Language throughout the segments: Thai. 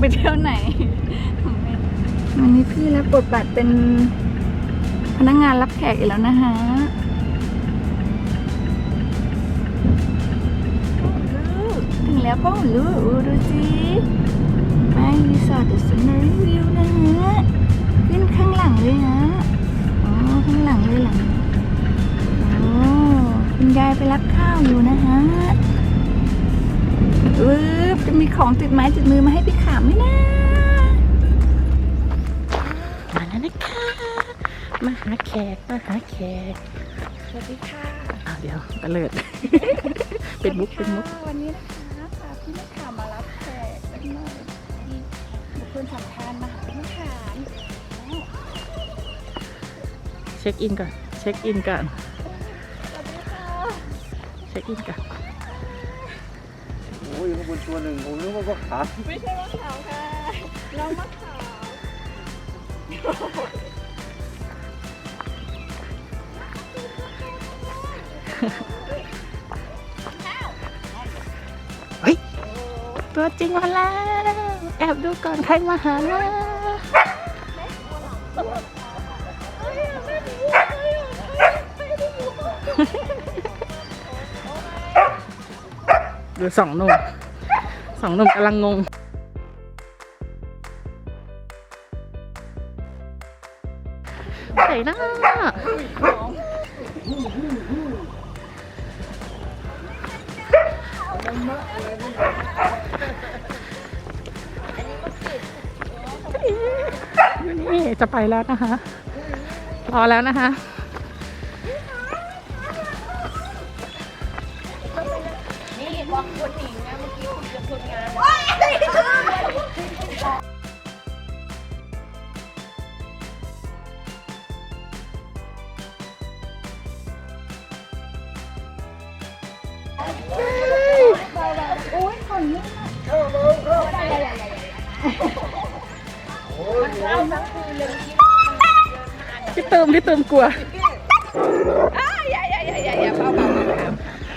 ไปเที่ยวไหนวันนี้พี่รับบทบาทเป็นพนักงานรับแขกอีกแล้วนะคะถึงแล้วพ่อลูกดูสิไม่รีสอร์ทเดอะซันนารีวิวนะฮะขึ้นข้างหลังเลยนะอ๋อข้างหลังเลยหลังโอ้คุณยายไปรับข้าวอยู่นะฮะจะมีของติดไม้ติดมือมาให้พี่ขามไหมนะมาแล้วนะคะมาหาแขกสวัสดีค่ะเดี๋ยวตะเลิด เป็นมุกวันนี้นะคะพาพี่ขามมารับแขกสักหน่อยบุคคลสำคัญมาหาพี่ขามเช็คอินก่อนสวัสดีค่ะเช็คอินก่อนโอ้ยมันตัวหนึ่งผมนึกว่าขาไม่ใช่มะขามค่ะน้องมะขามเฮ้ยตัวจริงมาแล้วแอบดูก่อนใครมาหานะดูสองหนุ่มกำลังงงไหนนะนี่จะไปแล้วนะคะรอแล้วนะคะบอกคนหญิงนะเมื่อกี้คุณจะคนงานโอ้ยคนนี้พี่เติมกลัวอย่าเบาครับ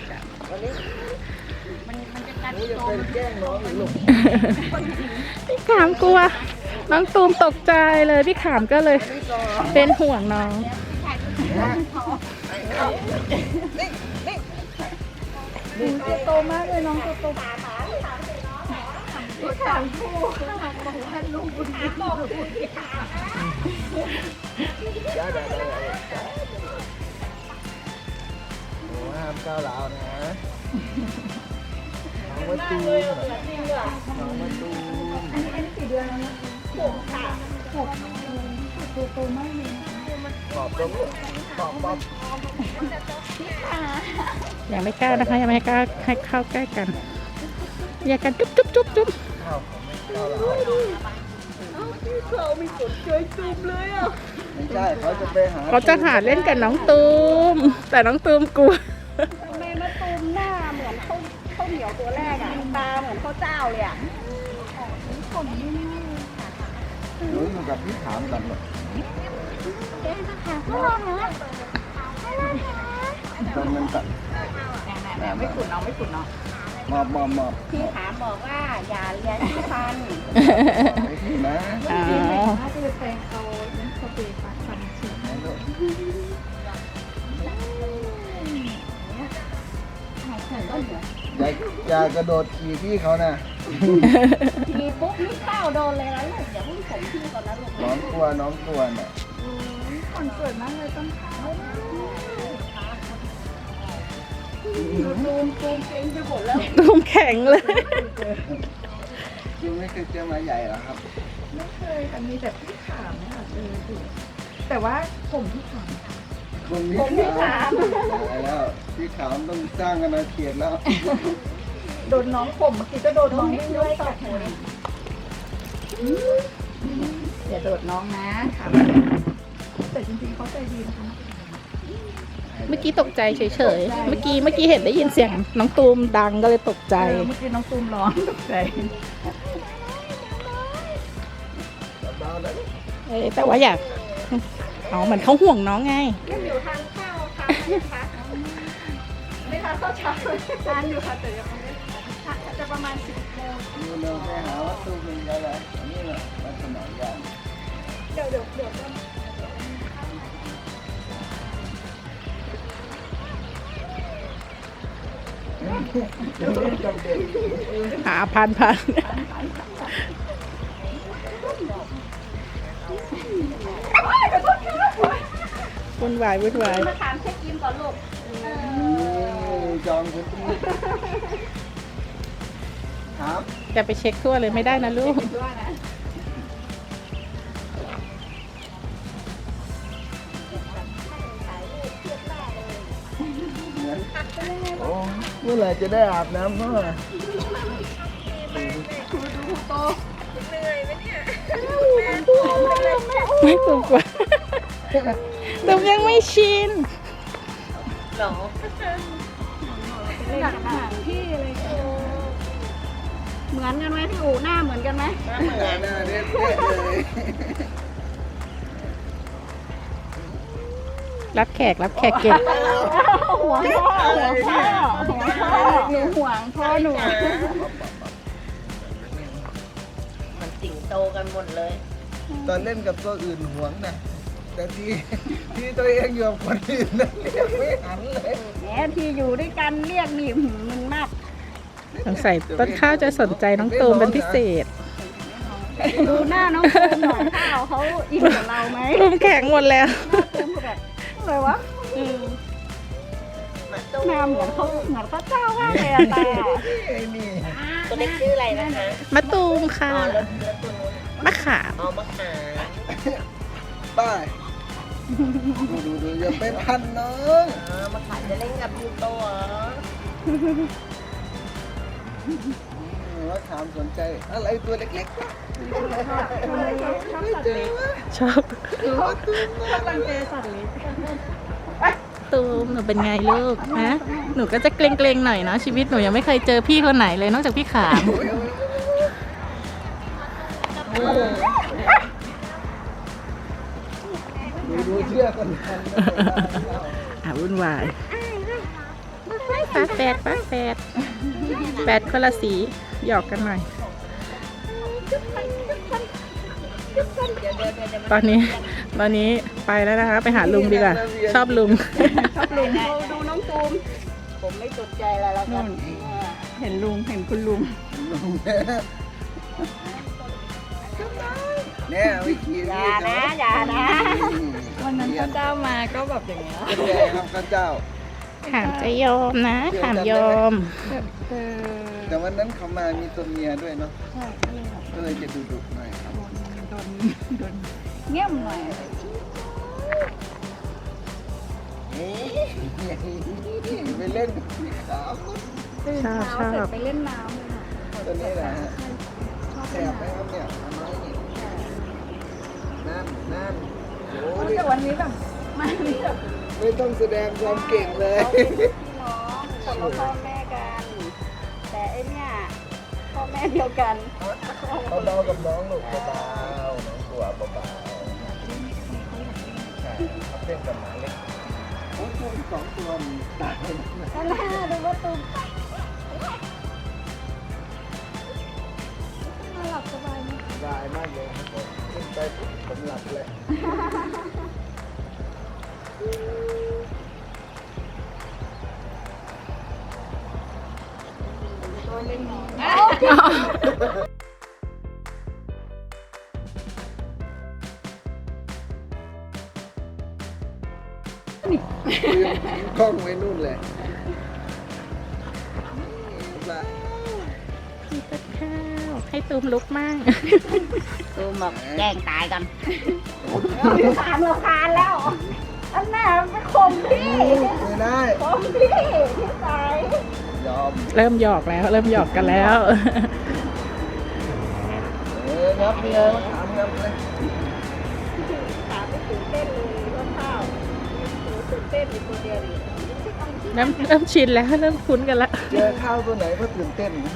พี่ขามกลัวน้องตูมตกใจเลยพี่ขามก็เลยเป็นห่วงน้องโตมากเลยน้องโตพี่ขามคู่บอกว่าลุงบุญบอกพี่ขามโอ้ห้ามก้าวร้าวนะน้องมาตูมอันนี้กี่เดือนแล้วนะ6โตมากเลยขอบยังไม่กล้านะคะยังไม่กล้าให้เข้าใกล้กันอย่ากันจุ๊บข้าวก้าวร้าวเขาไม่สนใจตูมเลยอ่ะไม่ใช่เขาจะหาเล่นกับน้องตูมแต่น้องตูมกลัวทำไมมาตูมหน้าเหมือนข้าวเหนียวตัวแรกอ่ะตาเหมือนข้าวเจ้าเลยอ่ะหนูอยู่กับพี่ถามกันหรอตอนนั้นตัดไม่ขุนเนาะมอบพี่ถามบอกว่าอย่าเลี้ยงที่ฟันนะถ้าจะแปลงเอาสเปรย์ปัดฟันฉีดอย่ากระโดดขี่พี่เขานะขี่ปุ๊บนี่เต้าโดนเลยนะลูกอย่าเพิ่งผมพี่ก่อนนะลูกน้องกลัวน่ะคนสวยมากเลยต้นขาตูมเก่งไปหมดแล้วตูมแข็งเลยยังไม่เคยเจอมาใหญ่หรอครับไม่เคยแต่มีแต่พี่ขามนะคะแต่ว่าผมพี่ขามแล้วพี่ขามต้องสร้างกันมาเขียนแล้วโดนน้องผมเมื่อกี้ก็โดนน้องด้วยต่อหัวอย่าโดดน้องนะค่ะแต่จริงๆเขาใจดีนะคะเมื่อกี้ตกใจเฉยๆเมื่อกี้เห็นได้ยินเสียงน้องตูมดังก็เลยตกใจเมื่อกี้น้องตูมร้องตกใจแต่ว่าอยากเหมือนเขาห่วงน้องไงอยู่ทานข้าวค่ะไม่ทานข้าวเช้าทานอยู่ค่ะแต่ยังไม่จะประมาณ10 โมดูเราไปหาวัตถุเป็นอะไรอันนี้แหละลักษณะยางเดี๋ยวจะจำเป็นหาพันวุ่นวายมาถามเช็คอินก่อนลูกจองพื้นที่ครับจะไปเช็คทั่วเลยไม่ได้นะลูกด้วยนะโอ้เมื่อไหร่จะได้อาบน้ำเมื่อไม่ถูกกว่าตุมยังไม่ชินหลักฐานที่อะไรเหมือนกันไหมที่อู่หน้าเหมือนกันไหมหน้าเด็ดเลยรับแขกเก่งห่วงพ่อหนูห่วงพ่อหนูมันสิงโตกันหมดเลยตอนเล่นกับตัวอื่นหวงนะแต่ที่ตัวเองอยู่กับคนอื่นนั่นเรียกไม่หันเลยแหมที่อยู่ด้วยกันเรียกนี่มึนมากสงสัยต้นข้าวจะสนใจน้องตูมเป็นพิเศษดูหน้าน้องตูมหน่อยข้าวเขาอินกับเราไหมตูมแข็งหมดแล้วตูมแบบอะไรวะหน้าเหมือนพระเจ้ามากเลยอะตาไอ้นี่ตัวเล็กชื่ออะไรนะคะมะตูมค่ะอ๋อแล้วตัวนู้นมะขามอ๋อมะขามป้ายดูอย่าไปพันน้องอ๋อมะขามจะเล่นกับยูโตเหรอว่าถามสนใจอะไรตัวเล็กๆวะชอบตูมหนูเป็นไงลูกฮะหนูก็จะเกรงๆหน่อยเนาะชีวิตหนูยังไม่เคยเจอพี่คนไหนเลยนอกจากพี่ขามดูเชื่อคนทันวุ่นวายป้าแฝดแฝดคนละสีหยอกกันหน่อย ตอนนี้ไปแล้วนะคะ ไปหาลุงดีกว่า ชอบลุงลุงดูน้องตูมผมไม่สนใจอะไรแล้วกันเห็นคุณลุงเนี่ยวิธีอย่านะวันนั้นพระเจ้ามาก็แบบอย่างเงี้ยเป็นไงครับพระเจ้าขามจะยอมนะ ขามยอมแต่วันนั้นเขามามีตัวเมียด้วยเนาะก็เลยจะดุหน่อยครับโดนเงี่ยมหน่อยไปเล่นกับสีขาวตื่นเช้าเสร็จไปเล่นน้ำเลยค่ะตัวนี้แหละฮะแสบไหมครับเนี่ยอันน้อยนี่นั่นโอ้ยแต่วันนี้แบบไม่ต้องแสดงความเก่งเลยพี่น้องคนละพ่อแม่กัน แต่ไอเนี่ยพ่อแม่เดียวกันเบาๆกับน้องลูกเบาๆน้องตัวเบาๆใช่เขาเต้นกับหมาเล็กโอ้ยตัวสองตัวมันตายนั่นแหละดูว่าตูมน่าหลับสบายไหมสบายมากเลยครับผมขึ้นไปปุ๊บผมหลับเลยตัวเล่นน้องลืมกล้องไว้นู่นเลยละพี่ต้นข้าวให้ตูมลุกมั่งตูมบอกแกล้งตายกันตามเราคานแล้ว อันน่ะไปข่มพี่ไม่ได้ข่มพี่ที่สายยอมเริ่มหยอกกันแล้วนับเลยมาถามนับเลยถามไม่ตื่นเต้นเลยว่าข้าวตื่นเต้นอยู่คนเดียวเลยเริ่มชินแล้วเริ่มคุ้นกันละเจอข้าวตัวไหนก็ตื่นเต้นนะ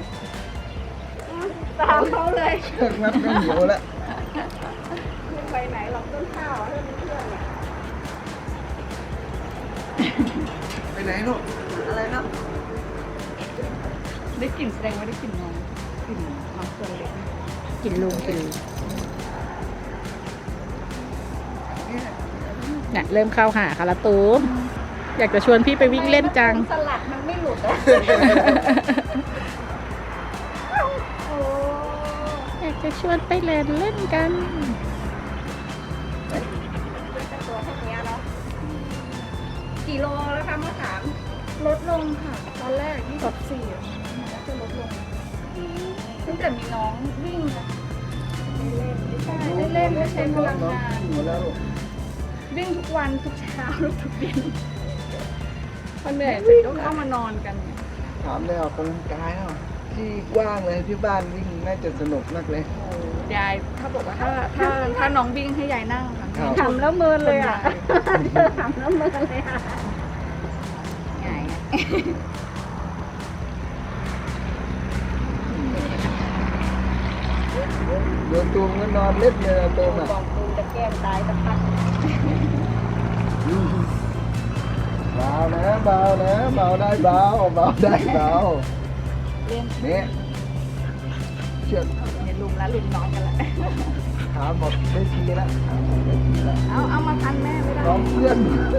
ตามเขาเลยเลิกนับไม่หิวแล้วไม่ไปไหนหรอกต้นข้าวให้มันเพื่อนเนี่ยไปไหนลูกอะไรนะได้กลิ่นแสดงว่าได้กลิ่นนมลิ่นน้ำเกลือเล็กกินลุงกินเนี่ยเริ่มเข้าหาค่ะละตูมอยากจะชวนพี่ไปวิ่งเล่นจังสลัดมันไม่หลุดอะโอ้อยากจะชวนไปเล่นเล่นกันตัวแค่นี้เนาะกี่โลแล้วคะมะขามลดลงค่ะ ตอนแรก24แล้วจะลดลงตั้งแต่มีน้องวิ่งนะได้เล่นได้ใช้พลังงานอยู่แล้ววิ่งทุกวันทุกเช้าทุกเย็นพอเหนื่อยเสร็จก็เข้ามานอนกันถามได้ออกกำลังกายเนาะที่กว้างเลยที่บ้านวิ่งน่าจะสนุกมากเลยยายถ้าบอกว่าถ้าน้องวิ่งให้ยายนั่งค่ะครับทำแล้วเมินเลยอ่ะทำแล้วเมินเลยอ่ะไงเดินตูมก็นอนเล็บเลยนะตูมอ่ะบอกตูจะแกล้งตายสักพักเบานะเบานะเบาได้เบาเบาได้เบาเรียนเนี่ยเชือกเห็นลุมแล้วลุมน้องกันแล้วขาหมดได้ทีละขาหมดได้ทีละเอามาพันแม่ไม่ได้น้องเพื่อน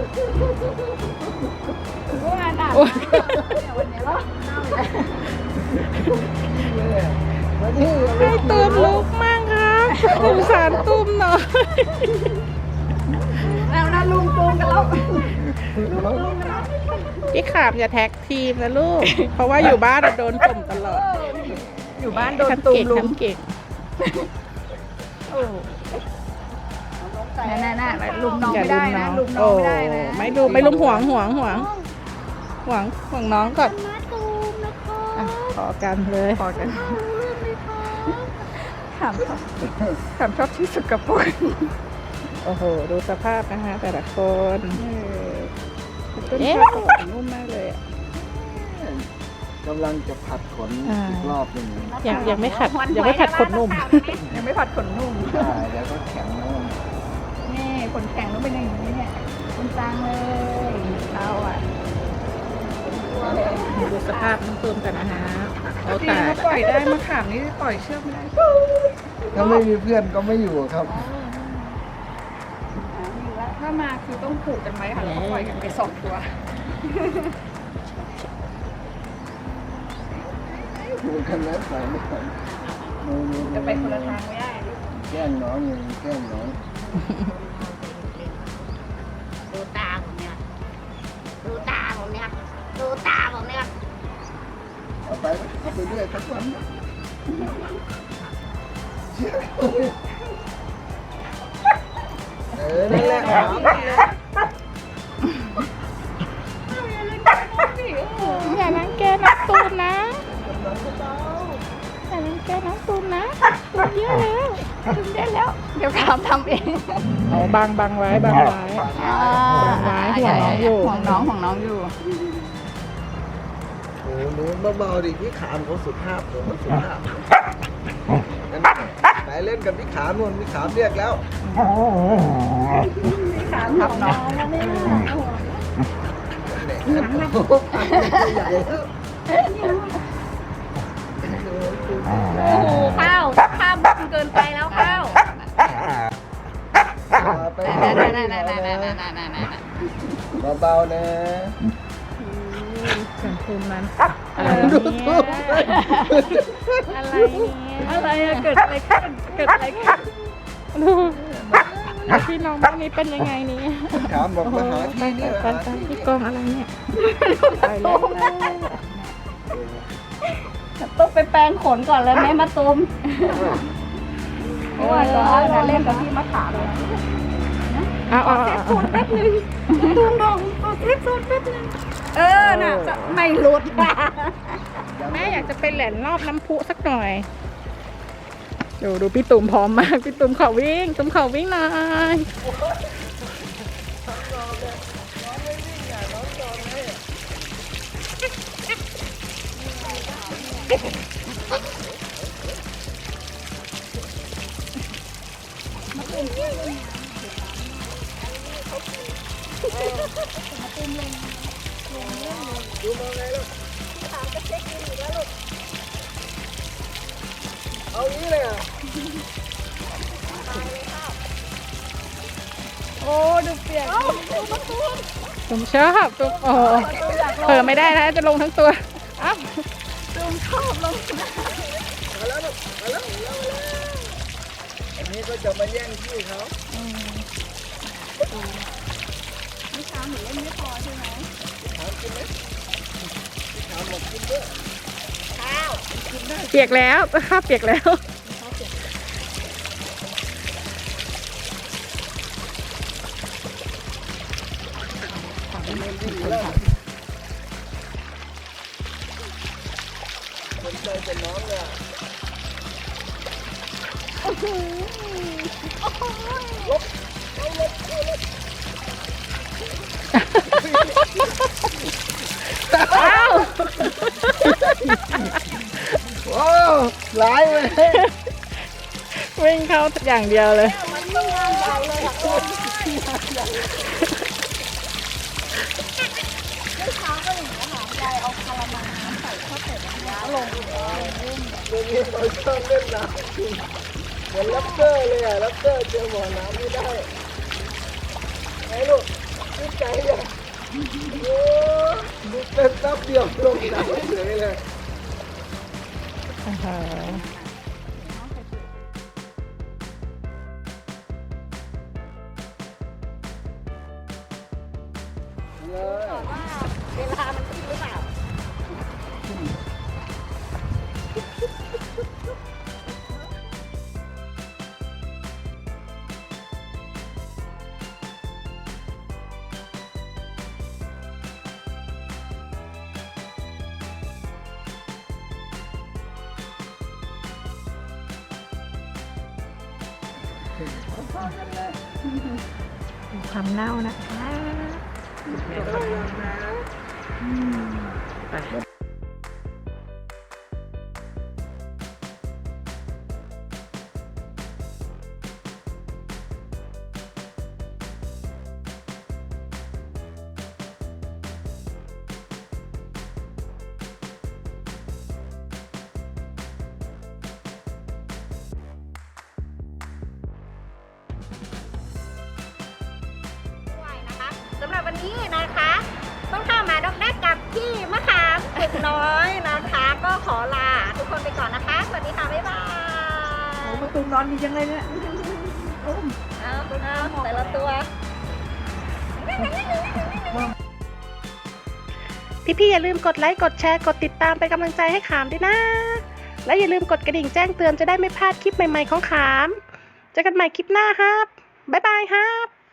เมื่อวานอ่ะวันนี้แล้วเนี่ยมาที่ให้ตูมลุกมั่งครับสงสารตูมหน่อยแล้วนะลุงตูกันแล้วพี่ขามอย่าแท็กทีมนะลูก เพราะว่าอยู่บ้านโดนข่มตลอดอยู่บ้านโดนตูมลุงทำเก่งน่ะลุมน้องอย่าไม่ได้นะลุมน้องไม่ได้นะไม่ลุมไม่ลุมห่วงน้องก่อนอ่ะขอกันเลยพอกันถามชอบที่สุดกับพวกโอ้โห ดูสภาพนะคะแต่ละคนต้นเอ๊ะข้าวนุ่มมากเลยอ่ะกำลังจะผัดขนอีกรอบหนึงยังไม่ขัดขนนุ่มยังไม่ผัดขนนุ่มใช่เดี๋ยวก็แข็งแล้วนี่ขนแข็งต้องเป็นอย่างนี้เนี่ยคนจางเลยเราอ่ะดูสภาพน้ำตูมกันนะฮะโอ้จริงตายถ้าปล่อยได้มะขามนี่ปล่อยเชือกไม่ได้ถ้าไม่มีเพื่อนก็ไม่อยู่ครับถ้ามาคือต้องผูกกันไว้ค่ะแล้วก็ปล่อยกันไป2 ตัวอยู่กันแล้วใส่ไม่ทันจะไปคนละทางไม่ได้แกล้งน้องอย่างนี้แกล้งน้องดูตาผมเนี่ยดูตาผมเนี่ยดูตาผมเนี่ยเอาไปเรื่อยทั้งวันนั่นแหละครับอย่ารังแกน้องตูมนะอย่ารังแกน้องตูมนะตูมเยอะแล้วตูมเยอะแล้วเดี๋ยวทำเองเอาบังไว้ห่วงน้องอยู่ห่วงน้องอยู่โอ้โหหนูเบาๆดิพี่ขามเขาสุภาพเขาสุภาพไปเล่นกับพี่ขามนู่นพี่ขามเรียกแล้วทับน้องใหญ่ข้าวบุญเกินไปแล้วข้าวไปเบาๆนะฉันตูมนั้นดูทุกอะไรเนี่ยอะไรอะเกิดอะไรขึ้นดูพี่น้องบ้านนี้เป็นยังไงเนี่ยถามบอกมาหาที่นี่ไปพี่กองอะไรเนี่ยไปแล้วต้องไปแปรงขนก่อนเลยแม่มาตูมเพราะว่าเราเล่นกับพี่มะขามเลยเอาแป๊บนึงตูมบอกขอเซฟโซนแป๊บนึงน่ะจะไม่หลุดแม่อยากจะไปแหลนรอบน้ำพุสักหน่อยดูพี่ตุ่มพร้อมมากพี่ตุ่มขอวิ่งตุ่มขอวิ่งหน่อยเอางี้เลยอ่ะโอ้ดูเปียกผมชอบตัวโอ้โหเผลอไม่ได้นะจะลงทั้งตัวอ้าวดูชอบลงนะมาแล้วลูกมาแล้วอันนี้ก็จะมาแย่งที่เขานี่ช้าหนูเล่นไม่พอใช่ไหมถามกินไหมถามบอกกินด้วยเปียกแล้วข้าวเปียกแล้วสนใจแต่น้องเลยอ่ะอ้าวโอ้หลายเลยวิ่งเข้าอย่างเดียวเลยเมื่อเช้าก็อย่างนี้ค่ะยายเอาคาราเมลน้ำใส่ข้าวเป็ดน้ำลงเดี๋ยวนี้เราชอบเล่นน้ำจริงเหมือนลับเตอร์เลยอ่ะลับเตอร์เจอบ่อน้ำไม่ได้ไอ้ลูกดีใจอ่ะโอ้ดูเป็นตับเดียวลงน้ำเฉยเลย เลยเวลามันขึ้นหรือเปล่าความเน่านะคะ ไปด้วยนะคะสำหรับวันนี้นะคะ ต้องเข้ามาดอกแรกกับพี่มะขามตึกน้อยนะคะ ก็ขอลาทุกคนไปก่อนนะคะ สวัสดีค่ะ บ๊ายบายประตูนอนดีจังเลยเนี่ยเอาแต่ละตัวพี่ๆอย่าลืมกดไลค์กดแชร์กดติดตามเป็นกำลังใจให้ขามด้วยนะ และอย่าลืมกดกระดิ่งแจ้งเตือนจะได้ไม่พลาดคลิปใหม่ๆของขามเจอกันใหม่คลิปหน้าครับบ๊ายบายครับ